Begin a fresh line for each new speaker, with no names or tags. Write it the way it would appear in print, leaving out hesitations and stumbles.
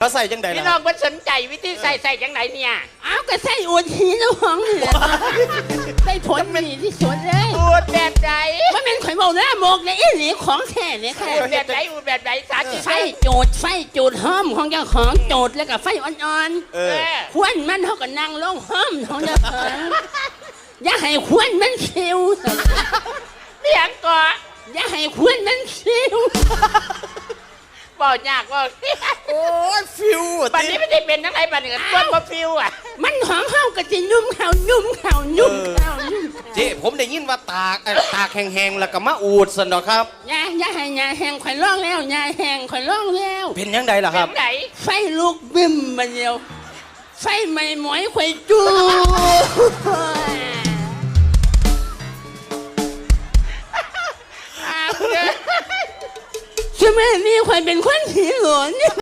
เขาใส่จังใด
พี่
ล่ะ
น้องมันสนใจวิธีใส่จังไหนเนี่ย
เอาก็ใส่อวดหีเจ้าของนี่แหละได้ผลดีที่สุดเลย
อูดแบบไหน
มันเป็นข่อยบอกนะโมกในอีหลีของแท้เนี่ยค่ะ
อูดแบบไหนอูดแบบไหนสาธิต
ไฟจูดหอมของเจ้าของจูดแล้วก็ไฟอ่อน
เออ
ๆควนมันเขาก็นั่งลงหอมของเจ้าของอย่าให้ควนมันคิว
เลี้ยงก่อ
อย่าให้ควนมันคิว
บอกยากว่า
โอ้ยฟิว
ปันนี้ไม่ได้เป็นทั้งไรปันนี้ต้นมาฟิวอ่ะ
มันของเขาก็จะยุ่มเขายุ่มเขา
เจ๊ผมได้ยินว่าตากแห้งๆแล้วก็มาอูดสนอครับ
อย่าให้ยาแห้งข่อยร้องแล้วยาแห้งข่อยร้องแล้ว
เป็นยังไงล่ะค
เป็
รับ
นไหน
ไฟลุกบึ้มมาเดียวไฟไหม้หมอยข่อยจู
อ้าวเด้อ
ใช่ไหมนี่ข่อยเป็นคนผีหลอนเนี่ย